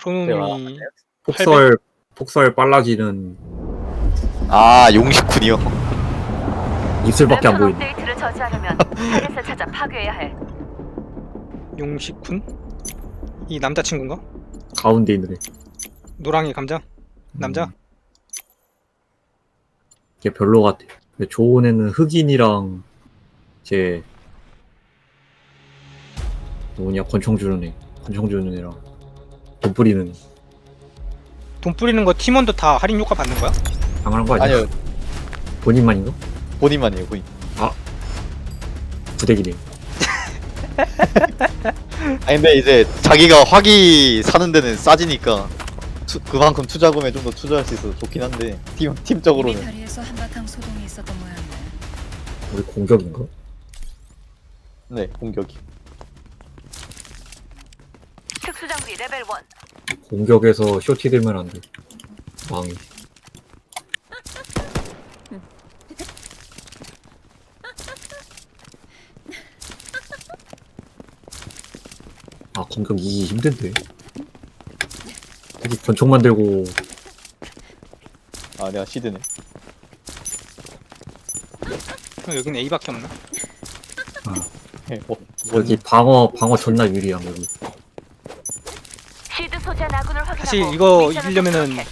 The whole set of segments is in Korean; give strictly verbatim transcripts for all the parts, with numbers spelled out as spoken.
초놈이 폭설 폭설 빨라지는 아 용식군이요. 입술밖에 안 보이네. 업데이트를 저지하려면 타겟을 찾아 파괴해야 해. 용식군? 이 남자친구인가? 가운데 있는 애. 노랑이 감자? 남자? 음, 걔 별로 같아. 근데 좋은 애는 흑인이랑 제 누구냐 권총 주는 애. 권총 주는 애랑 돈 뿌리는 애. 돈 뿌리는 거 팀원도 다 할인 효과 받는 거야? 당연한 거 아니야? 아니요 본인만인가? 본인만이에요 본인. 부대기네. 아니 근데 이제 자기가 화기 사는 데는 싸지니까 투, 그만큼 투자금에 좀 더 투자할 수 있어서 좋긴 한데 팀 우리 팀적으로는 다리에서 한바탕 소동이 있었던 모양이네. 우리 공격인가? 네 공격이. 특수장비 레벨 일. 공격에서 쇼티 들면 안 돼. 망해. 아 공격 이기 힘든데. 특히 권총 만들고 아 내가 시드네. 어, 여긴 A밖에 없나? 네, 어, 여기 방어 방어 존나 유리함 여기. 시드 소재한 아군을 확인하고 사실 이거 미션을 이기려면은 접수해.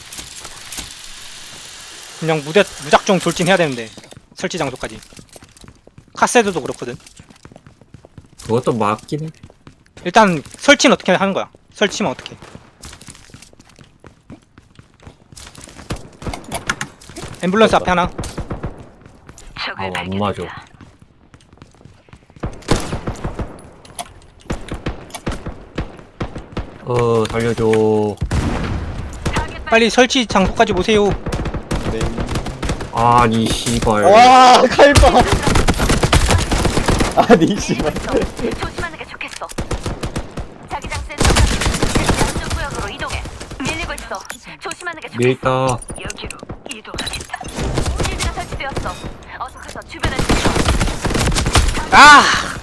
그냥 무대, 무작정 돌진해야 되는데 설치 장소까지. 카세드도 그렇거든. 그것도 맞긴 해. 일단 설치는 어떻게 하는 거야? 설치면 어떻게? 앰뷸런스 앞에 하나. 적을 아, 안 발견했다. 맞아. 어 살려줘. 타겟 빨리 설치 장소까지 오세요. 네. 아니 씨발. 와 칼바. 아니 씨발. 조심하는 게 좋겠어. 자기장 센서가 양쪽 구역으로 이동해. 밀리고 있어. 조심하는 게 좋겠어. 밀다. 여기로 이동하겠다. 실드가 설치되었어. 어서 가서 주변을 지켜. 아!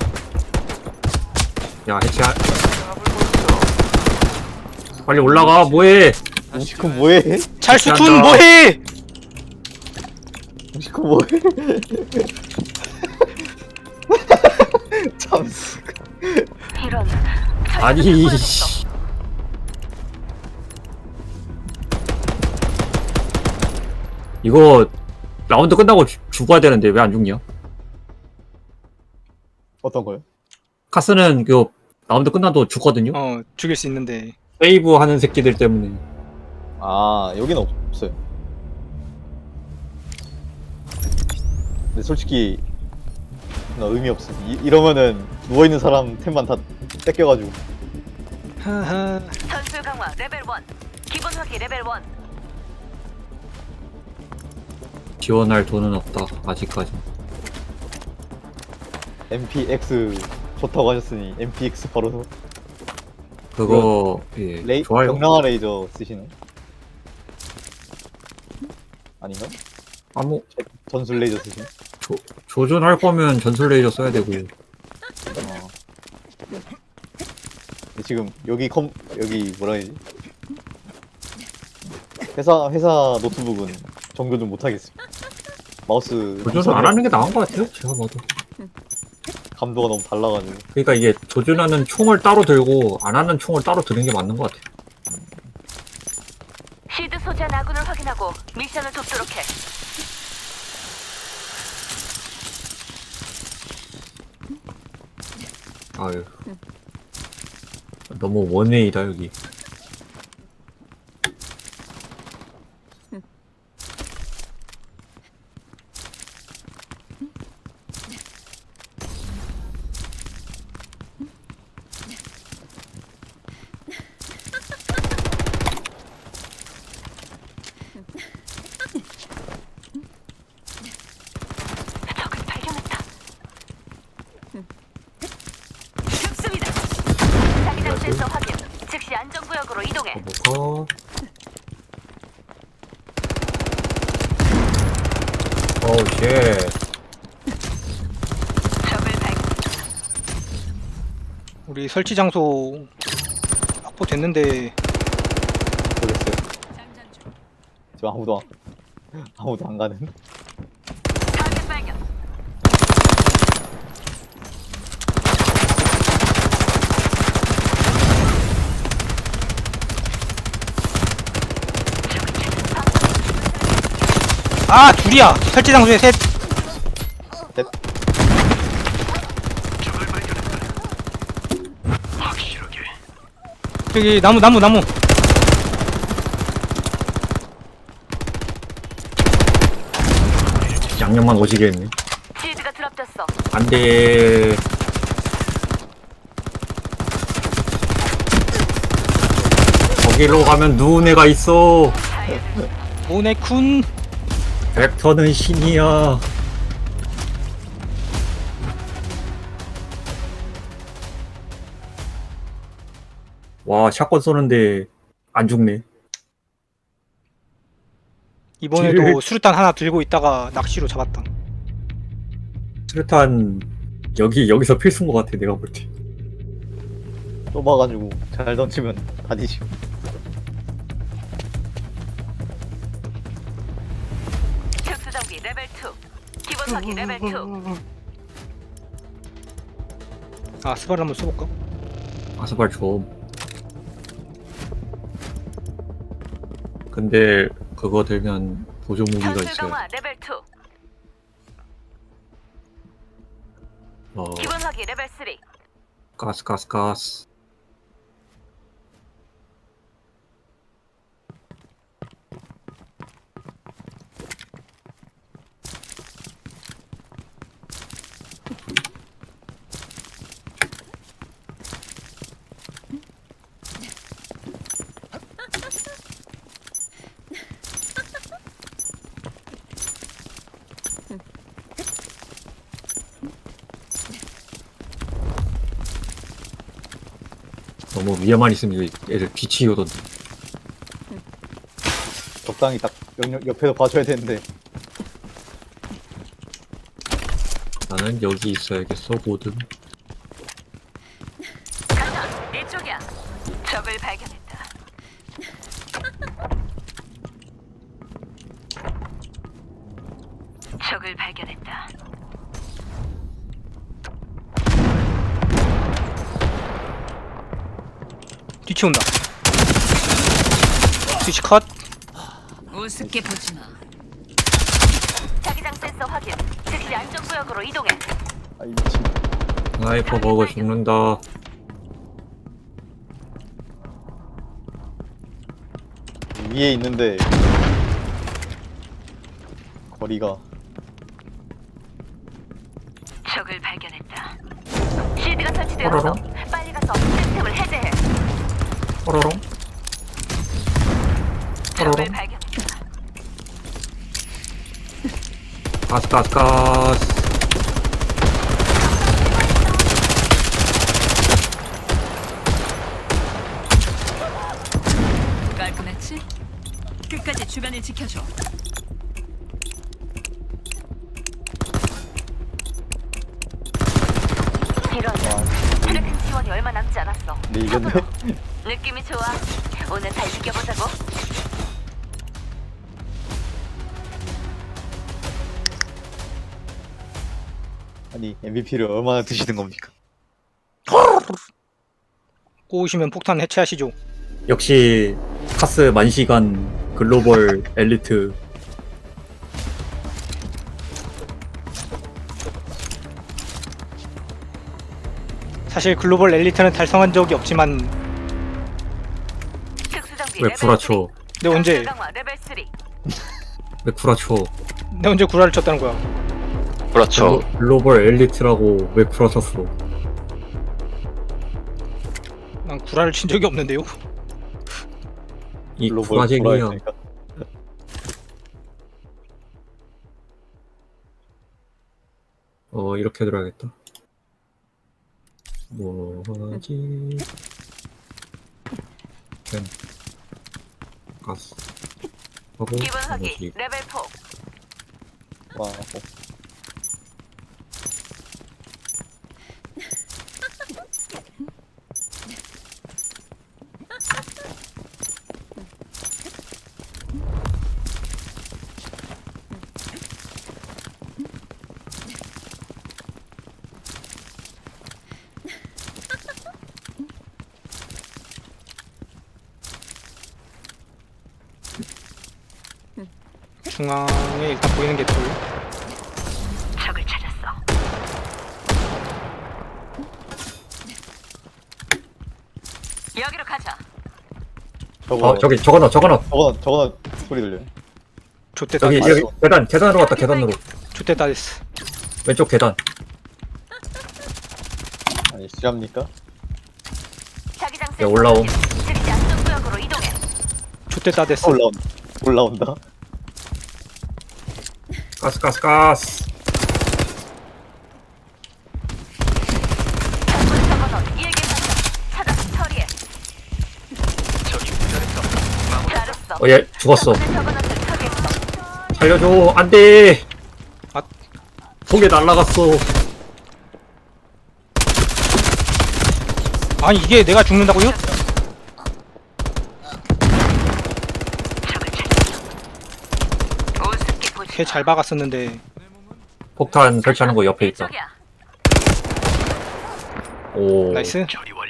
야 해치야. 빨리 올라가 뭐해? 용식군 뭐해? 찰수툰 뭐해? 용식군 뭐해? 참. 이런. 아니 보여줬어. 씨. 이거 라운드 끝나고 죽- 죽어야 되는데 왜 안 죽냐? 어떤 거요? 카스는 그 라운드 끝나도 죽거든요. 어, 죽일 수 있는데. 세이브 하는 새끼들 때문에. 아 여기는 없어요. 근데 솔직히 나 의미 없어. 이, 이러면은 누워 있는 사람 템만 다 뺏겨가지고. 하하. 전술 강화 레벨 일. 기본 화기 레벨 일. 지원할 돈은 없다 아직까지. 엠피엑스 좋다고 하셨으니 엠피엑스 바로 그거 예 레이 좋아요. 경량화 레이저 쓰시네. 아닌가? 아무 전술 레이저 쓰시네. 조, 조준할 거면 전술 레이저 써야 되고. 어. 근데 지금 여기 컴 여기 뭐라 해야지? 회사 회사 노트북은 정교 좀 못하겠습니다. 마우스 조준을 안 하는 게 나은 것 같아요. 제가 봐도. 감도가 너무 달라가지고. 그러니까 이게 조준하는 총을 따로 들고 안 하는 총을 따로 드는 게 맞는 것 같아요. 시드 소재한 아군을 확인하고 미션을 돕도록 해. 아유. 너무 원웨이다 여기. 적을 발견했다. 습습니다. 자기장 센서 확인. 즉시 안전구역으로 이동해. 뭐가? 어우 쉣. 적을 발견. 우리 설치 장소 확보됐는데 모르겠어요. 지금 아무도 안, 아무도 안 가는. 타겟 발견. 아 둘이야. 설치 장소에 셋. 넷. 저기 나무 나무 나무. 양념만 오지게 했네. 실드가 드랍됐어. 안돼. 거기로 가면 누운 애가 있어. 오네쿤. 벡터는 신이야. 와, 샷건 쏘는데 안 죽네. 이번에도 딜. 수류탄 하나 들고 있다가 낚시로 잡았다. 수류탄 여기 여기서 필수인 것 같아 내가 볼 때. 좁아가지고 잘 던지면 다 뒤지고. 특수장비 레벨 이. 기본 화기 레벨 이. 아 스바를 한번 쏘볼까? 아스발 좀. 근데 그거 들면 보조 무기가 전술 있어요. 강화 레벨 이. 어, 기본 화기 레벨 삼. 가스 가스 가스. 너무 위에만 있으면 이거 애들 뒤치기 오던데. 적당히 딱 옆, 옆에서 봐줘야 되는데. 나는 여기 있어야겠어 모든. 간다. 이쪽이야. 적을 발견했다. 적을 발견했다. 뒤치 온다. 뒤치 컷. 우습게 보지 마. 자기장 센서 확인. 즉시 안전구역으로 이동해. 아, 이 미친. 스나이퍼 버거 죽는다. 위에 있는데 거리가. 적을 발견했다. 실드가 설치되었어. 어라라? 빨리 가서 시스템을 해제해. 뽀로롱. 적을 뽀로롱. 발견했다. 가스 가스 가스. 깔끔했지? 끝까지 주변을 지켜줘. 이런 트래킹 지원이 얼마 남지 않았어. 근데 이겼네. 느낌이 좋아. 오늘 잘 이겨보자고. 아니 엠브이피를 얼마나 드시는 겁니까? 꼬우시면 폭탄 해체하시죠. 역시 카스 만시간 글로벌 엘리트. 사실 글로벌 엘리트는 달성한 적이 없지만 특수장비 왜 레벨 구라쳐? 내 언제 전술 강화 레벨 삼. 왜 구라쳐? 내 언제 구라를 쳤다는 거야. 그렇죠. 글로- 글로벌 엘리트라고 왜 구라쳤어? 난 구라를 친 적이 없는데요. 이 글로벌 구라쟁이야. 구라였으니까. 어 이렇게 들어야겠다. 뭐하지? 펜 가스 하고 기본 화기 뭐지? 레벨 사. 와, 어. 중앙에 일단 보이는 게 둘. 적을 찾았어. 여기로 가자. 저거 어 저기 저거 넣어 저거 넣어 저거 저거 소리 들려요. 좆대다 저기 됐어. 여기 계단 계단으로 갔다 계단으로 좆대다 됐어. 왼쪽 계단 아니 실합니까? 자기장 야, 올라옴. 즉시 안전 구역으로 이동해. 좆대다 됐어. 올라온다. 올라온다. 가스 가스 가스 장군 적어놓은 일개 발견. 찾아서 처리해. 잘했어. 어 얘 죽었어 장군의 적어놓은 걸 처리했어. 살려줘 안돼 아. 속에 날라갔어 아니 이게 내가 죽는다고요? 적을 찾았어. 우습게 보지 걔 잘 박았었는데. 폭탄 설치하는 거 옆에 있다 이쪽이야. 오 나이스.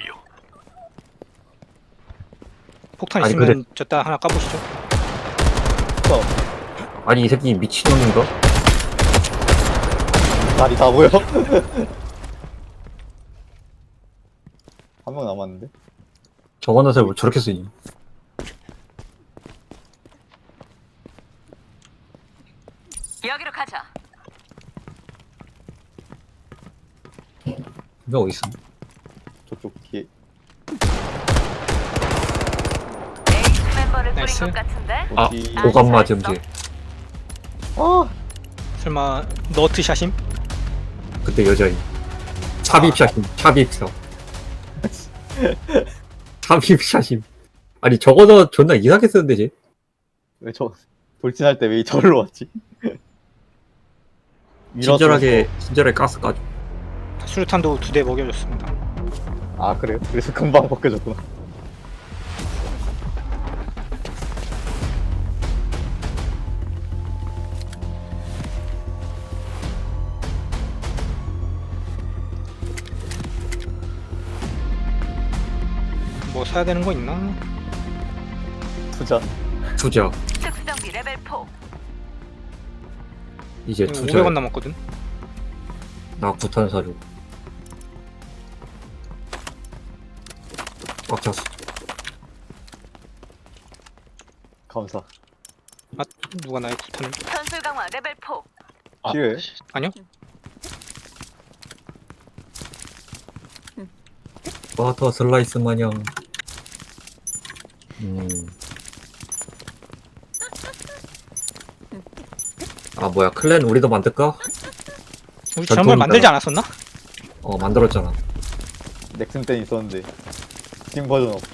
폭탄 아니, 있으면 근데- 저따 하나 까보시죠. 아니 이 새끼 미친놈인가? 날이 다 보여. 한 명 남았는데. 저거 넣어서 뭐 저렇게 쓰니 여기로 가자. 이거 어딨어 저쪽 뒤에. 에이스 멤버를 뿌린 나이스. 것 같은데. 아 어디? 오감 맞음제 아 설마 너트샷임? 그때 여자인 삽입샷임 삽입샷 삽입샷임 아니 저거 너 존나 이상하게 쓰는데 쟤 왜 저 돌진할 때 왜 저리로 왔지? 친절하게 친절하게 가스 까줘 수류탄도 두 대 먹여줬습니다. 아 그래요? 그래서 금방 벗겨졌구나. 뭐 사야 되는 거 있나? 투자. 투자 특수정비 레벨 사. 이제 오백 투자 원 남았거든. 나 구탄 사줘 꽉 찼어 감사. 아 누가 나의 구탄을? 전술 강화 레벨 사. 필요해? 아니요? 버터 슬라이스 마냥 음. 아 뭐야 클랜 우리도 만들까? 우리 전 지난번에 돈이 만들지 있잖아. 않았었나? 어 만들었잖아 넥슨 땐 있었는데 스팀 버전 없고.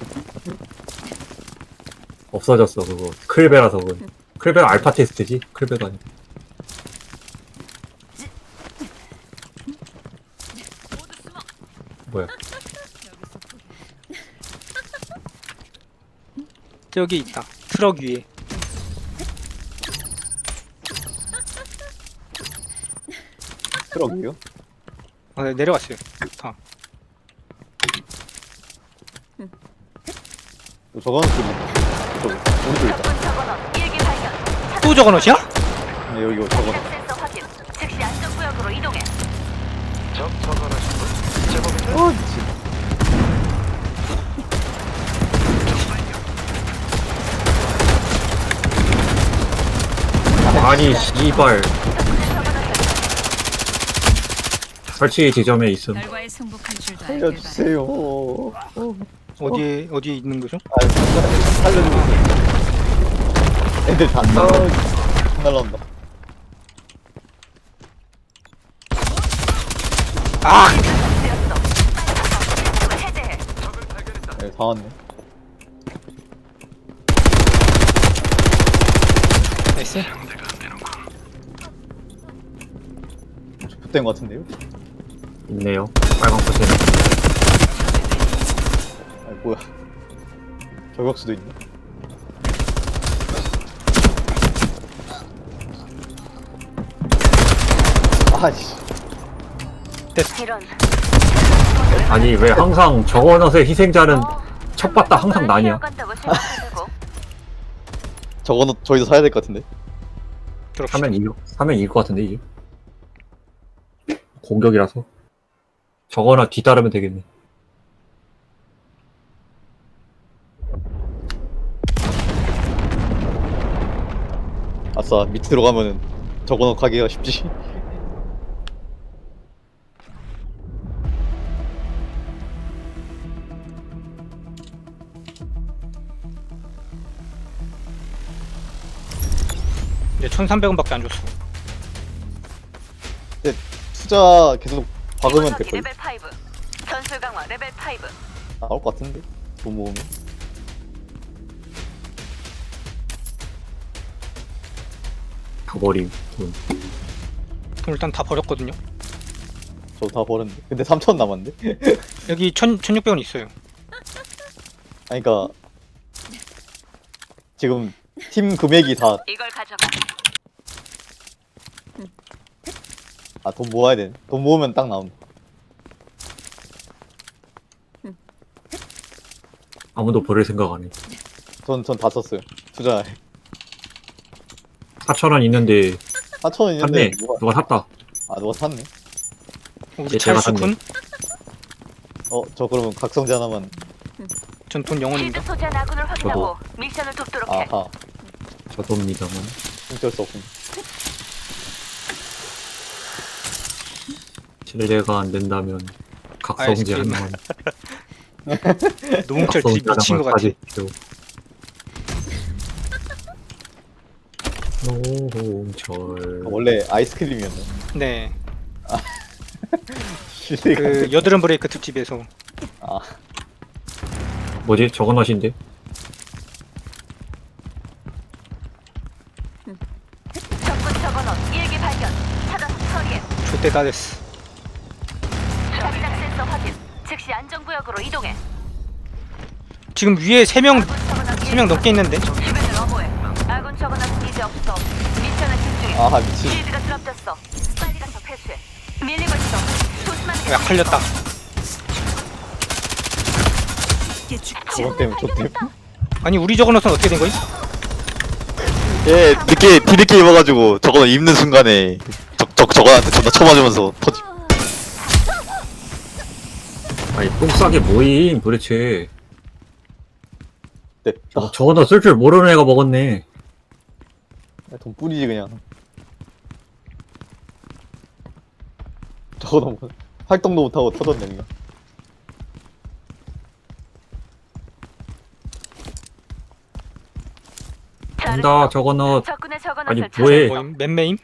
없어졌어 그거 클베라서 그건 클베가 알파 테스트지? 클베가 아니고 뭐야 저기 있다. 트럭 위에. 트럭이요? 아, 네, 내려갔어요. 다. 저거는 소리. 저 오른쪽 있다. 적군 적어놓은 일개 발견. 또 저거 넣지야? 네, 여기 이거 저거. 자기장 센서 확인. 즉시 안전 구역으로 이동해. 어 미친. 아니 씨발 설치 지점에 있음 결과에 승복할 줄도 알길 바래. 살려주세요. 어. 어디에 어디에 있는 거죠? 아 살려주세요. 애들 다 날라. 날라온다. 아! 되었어. 빨리 해제해. 네, 다 왔네. 나이스. 붙된 것 같은데요? 있네요 빨간 포션 아 뭐야? 저격수도 있네. 아씨. 이런. 아니 왜 항상 저거넛의 희생자는 어, 척봤다 항상 나냐 간다고 생각해보고. 저거는 저희도 사야 될 것 같은데. 들어봅시다. 사면 이길, 사면 이길 것 같은데, 이제. 공격이라서. 저거나 뒤따르면 되겠네. 아싸, 밑으로 가면은 저거는 가기가 쉽지. 근데 천삼백 원밖에 안 줬어. 투자 계속 박으면 이번하기 될걸? 레벨 파이브. 전술 강화 레벨 파이브. 나올 것 같은데? 돈 모으면. 가버림, 돈. 돈 일단 다 버렸거든요. 저 다 버렸는데. 근데 삼천 남았는데? 여기 천, 천육백 원 있어요. 아니, 그니까. 지금 팀 금액이 다, 이걸 가져가. 아, 돈 모아야 돼. 돈 모으면 딱 나온다. 아무도 버릴 생각 안 해. 전, 전 다 썼어요. 투자. 사천 원 있는데, 사천 원 있는데. 샀네. 누가, 누가 샀다. 아, 누가 샀네. 우리 예, 제가 찰수군. 어, 저 그러면 각성제 하나만. 전 돈 실드 영원입니다. 소재한 아군을 확인하고 미션을 돕도록 해. 아하. 저도입니다만. 어쩔 수 없군. 실례가 안 된다면, 각성제 아이스크림. 하나만. 노홍철 드립 미친 것 같아. 사십시오. 노홍철. 아, 원래 아이스크림이었네. 네. 실례가. 그 여드름 브레이크 특집에서 아, 뭐지? 저건 하신데? 적군 적어놓은 일기 발견. 찾아서 처리해. 좆대 다 됐어. 자기장 센서 확인. 즉시 안전구역으로 이동해. 지금 위에 세 명, 아군 적어놓은 세 명 넘게 있는데? 주변을 어모해. 아군 적어놓은 이제 없어. 미션을 집중해. 아하, 미친. 실드가 드랍됐어. 빨리 가서 패스해. 밀리고 있어. 조심하는 게 야, 걸렸다. 저건 때문에, 저 때문에. 아니, 우리 저거너선 어떻게 된 거임? 예, 늦게 뒤늦게 입어가지고 저거 입는 순간에 적, 적, 저거한테 존나 쳐맞으면서 터지. 아니, 똥 싸게 뭐임, 도대체. 됐다. 저, 저거는 쓸 줄 모르는 애가 먹었네. 돈 뿌리지, 그냥. 저거 너무, 활동도 못하고 터졌네, 그냥. 간다, 저거는. 적군의 적어놓은 아니, 설치. 뭐해. 뭐임? 맨메임?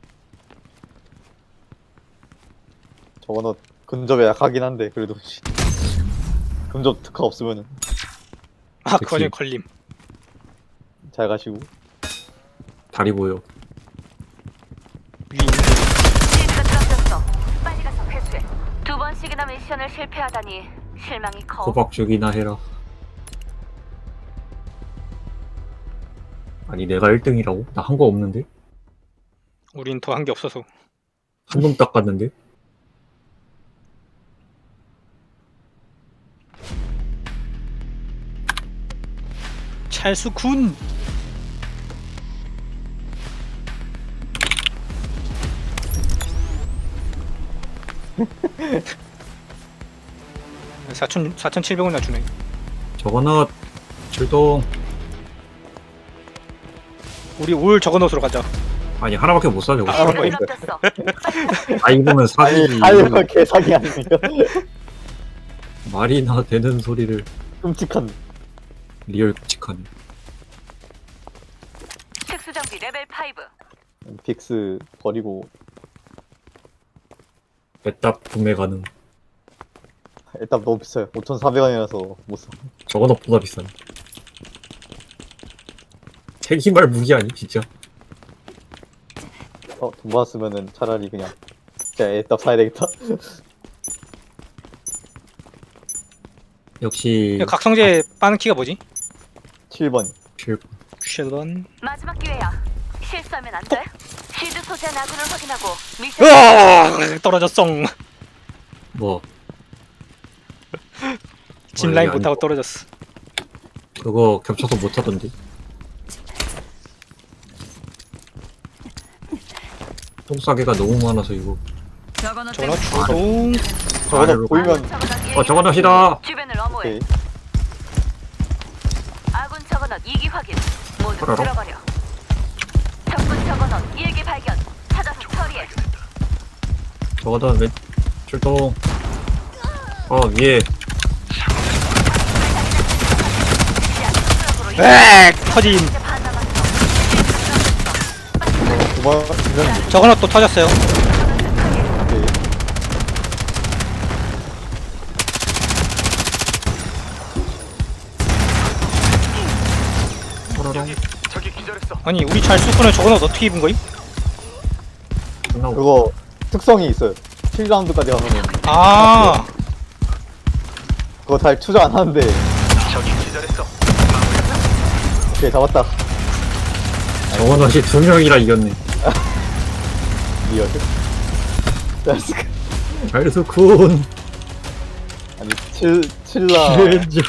저거는 근접에 약하긴 한데, 그래도. 씨. 근접 특화 없으면은 아, 그치. 그거 걸림. 잘 가시고. 다리 보여. 위 있는데. 실드가 드랍됐어. 빨리 가서 회수해. 두 번씩이나 미션을 실패하다니 실망이 커. 호박 죽이나 해라. 아니, 내가 일 등이라고? 나 한 거 없는데? 우린 더 한 게 없어서. 한 놈 닦았는데? 찰수군! 사천, 사천칠백 원이나 주네. 저거는 출동. 우리 올 저거너스로 가자. 아니, 하나밖에 못 사, 저거. 아, 실드가 있어요. 드랍됐어. 아, 입으면 사기지. 아니, 하이가 개사기 아닙니까? 말이나 되는 소리를. 끔찍한. 리얼 끔찍하네. 특수장비 레벨 파이브. 빅스 버리고, 애답 구매 가능. 일단 너무 비싸요. 오천사백 원이라서 못 사. 저건 없보다 비싸네. 책임할 무기 아니, 진짜? 어, 돈 받았으면은 차라리 그냥 진짜 애답 사야 되겠다. 역시 야, 각성제 빠는 키가 뭐지? 칠 번. 칠 쉐던. 마지막 기회야. 실수하면 안 돼. 실드 소재한 아군을 확인하고 미션. 으아! 떨어졌어. 뭐 짚라인 아니, 못하고 아니. 떨어졌어. 그거 겹쳐서 못 하던데. 똥싸개가 너무 많아서 이거. 저거는 저거 땡- 주동. 저거는 아래로. 보이면 어, 저거 납시다. 주변을 엄호해. 오케이. 아군 저거넛 이기 확인. 모두 그래로? 들어버려. 적군 저거넛 일기 발견. 찾아서 처리해. 저거다 왼 출동. 어 위에 엑! 터짐. 이제 반 남았어. 도망 두명 저거는 또 터졌어요. 오케이. 호로롱 아니 우리 잘 쏘고는 저거는 어떻게 입은 거임? 끝나고. 그거 특성이 있어요. 칠 라운드까지 가면은 아 그거 잘 투자 안 하는데. 오케이 잡았다. 저거 넛이 두 명이라 이겼네. 리얼. 나이스. 잘수군. 아니 칠 칠라 칠중.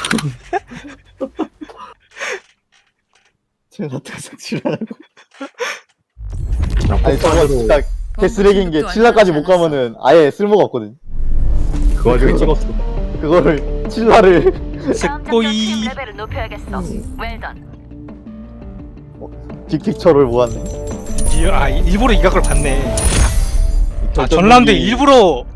칠라 특성 칠라라고. 아니 저거 진짜 개쓰레기인 게 칠라까지 못 가면은 아예 쓸모가 없거든. 그 와중에 찍었어. 그거를 칠라를 다음 작전 스코이. 투입 레벨을 높여야겠어. 웰던. 빅픽처를 모았네. 이- 아 일부러 이 각을 봤네. 아 결정 전 라운드에 무기- 일부러